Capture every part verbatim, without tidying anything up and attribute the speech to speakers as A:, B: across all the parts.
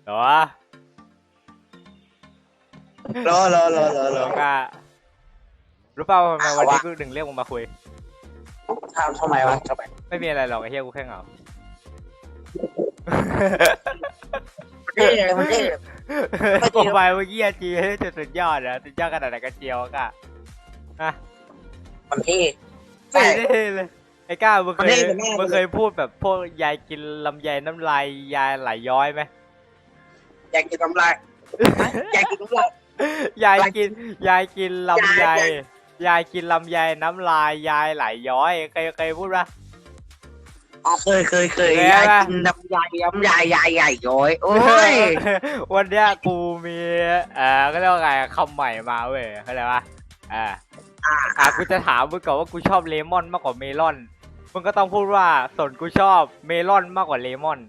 A: เหรอ
B: รอรอรอรอรอ
A: ก็รู้เปล่าทำไมวันนี้กูถึงเรียกมึงมาคุย
B: ทำทำไมวะทำไม
A: ไม่มีอะไรหรอกไอ้เหี้ยกูแค่เหงา
B: เท่มันเท่
A: โปรไฟล์เมื่อกี้จีจะสุดยอดนะสุดยอดขนาดไหนกันเจียวก็ฮะ
B: มันเท่
A: ไม่ได้เลยไอ้ก้ามึงเคยมึงเคยพูดแบบพวกยายกินลำไยน้ำลายยายไหลย้อยไหม
B: อยากกินน้ำลายอยากกินน้ำลาย
A: ยายกินยายกินลำไยยายกินลำไยน้ำลายยายไหลย้อยเคยเคยพูดปะ
B: อ๋อเคยเคยเคยยายกินน้ำยายน้ำยายยายใหญ่ย้อยโอ้ย
A: วันเนี้ยกูมีเอ่อก็เรียกว่าไงคำใหม่มาเว้ยเข้าใจปะอ่าอ่ากูจะถามมึงก่อนว่ากูชอบเลมอนมากกว่าเมลอนมึงก็ต้องพูดว่าส่วนกูชอบเมลอนมากกว่าเลมอน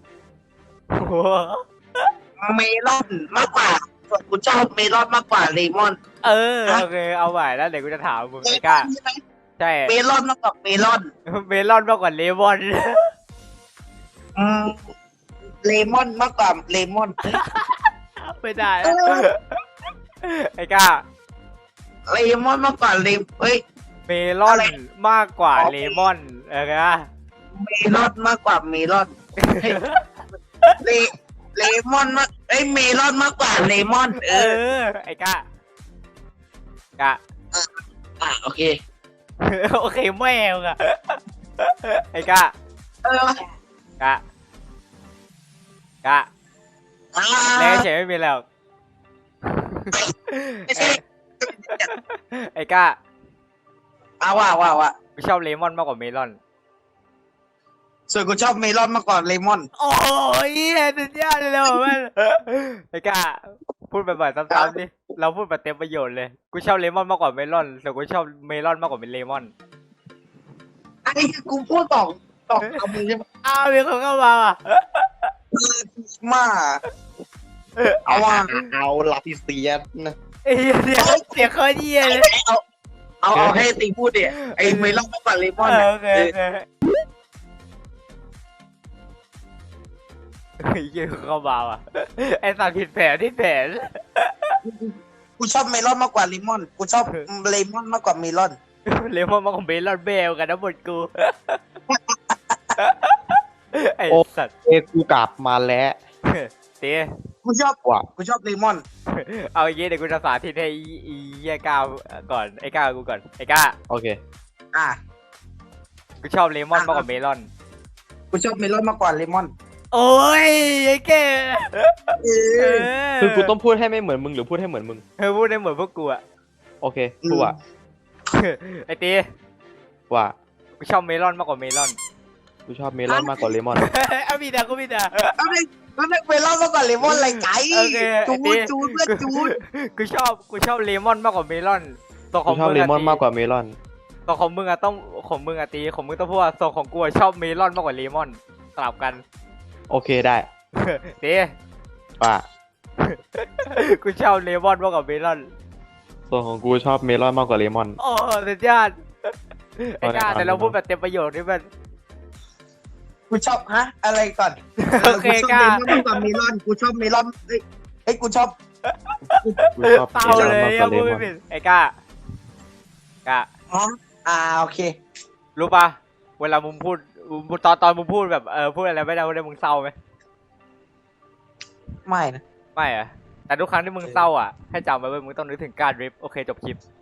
B: เมลอนมากกว่าส่วนกูชอบเมลอนมากกว่าเลมอน
A: เออโอเคเอาใหม่แล้วเดี๋ยวกูจะถามมึงไอ้ก้าใช่
B: เมลอนมากกว่าเมลอน
A: เมลอนมากกว่าเลมอน
B: อืมเลมอนมากกว่าเลมอน
A: ไม่ได้ไอ้ก้า
B: เลมอนมากกว่าเลมเฮ้ย
A: เมลอนมากกว่าเลมอนเออไง
B: เมลอนมากกว่าเมลอนเลเลมอนมากเอ้ยเมลอนมากกว่าเลมอนเอ
A: อไอ้ก้าก้า
B: อ่ะโอเค
A: โอเคแม่งอะไอ้ก้า
B: เอ
A: อกะกะแล้วเฉยไม่มีแล้วไอ้ก้า
B: อ้าวว่าว่าว่า
A: กูชอบเลมอนมากกว่าเมลอน
B: ส่วนกูชอบเมลอนมากกว่าเลมอน
A: โอ้ยสุดยอดเลยมันไอ้ก้าพูดบ่อยๆซ้ำๆดิเราพูดแบบเต็มประโยชน์เลยกูชอบเลมอนมากกว่าเมลอนแต่กูชอบเมลอนมากกว่าเลมอน
B: ไอ้กูพูดต่อต่อคำนี้ใช่ไหม
A: อ้าวมีคนเข้ามาอ่ะ
B: มาเอาว่าเอาลาพิเซียสนะ
A: เอ้ยเสียเสียข้อดีเลย
B: เอาเอาเอาให้ตีพูดดิไอ้เมลอนมากกว่าเลมอน
A: โอเคเฮ้ยเยอะเข้ามาอ่ะไอ้สัตว์ผิดแผนที่แผน
B: กูชอบเมลอนมากกว่าเลมอนกูชอบเลมอนมากกว่าเมลอน
A: เลมอนมากกว่าเมลอนเบลกันนะหมดกูไอ้สัตว์
C: เอ้กูกลับมาแล้ว
A: เต้
B: กูชอบว่ะกูชอบเลมอน
A: เอาอย่างงี้เดี๋ยวกูจะสาธิตให้อีไอ้ก้าวก่อนไอ้ก้าวกูก่อนไอ้ก้า
C: โอเค
B: อ่ะ
A: กูชอบเลมอนมากกว่าเมลอน
B: กูชอบเมลอนมากกว่าเลมอน
A: โอ้ยไอ้แก
C: คือกูต้องพูดให้ไม่เหมือนมึงหรือพูดให้เหมือนมึง
A: เออพูดให้เหมือนพวกกูอะ
C: โอเคพูดว่า
A: ไอ้ตี
C: ว่า
A: กูชอบเมลอนมากกว่าเมลอน
C: กูชอบเมลอนมากกว่าเลมอน
A: เอามีแต่กูมีแต่
B: เอาเลยแล้วเมลอนมากกว่าเลมอนอะไรไก่จูนจูนเพื่อนจูน
A: กูชอบกูชอบเลมอนมากกว่าเมลอน
C: ตัวของมึงชอบเลมอนมากกว่าเมลอน
A: ตัวของมึงอะต้องของมึงอะตีของมึงต้องพูดว่าตัวของกูชอบเมลอนมากกว่าเลมอนสลับกัน
C: โอเคได้
A: ตี
C: ว่า
A: กูชอบเลมอนมากกว่าเมลอน
C: ตัวของกูชอบเมลอนมากกว่าเลมอน
A: โอ้สุดยอดไอ้ก้าแต่เราพูดแบบเต็มประโยชน์นี่มัน
B: กูชอบฮะอะไรก่อน
A: โอเคก้า
B: กูชอบเมลอนมากกว่าเมลอนกูชอบเมลอนเอ้ยกูชอบ
A: เต้าเลยยังพูดไม่ผิดไอ้ก้าก้า
B: อ๋ออ่าโอเค
A: รู้ป่ะเวลามึงพูดตอนตอนมึงพูดแบบเออพูดอะไรไม่ได้ไม่ได้มึงเศร้าไหม
B: ไม่นะ
A: ไม่อะแต่ทุกครั้งที่มึงเศร้าอ่ะให้จำไว้ว่ามึงต้องนึกถึงการริปโอเคจบคลิป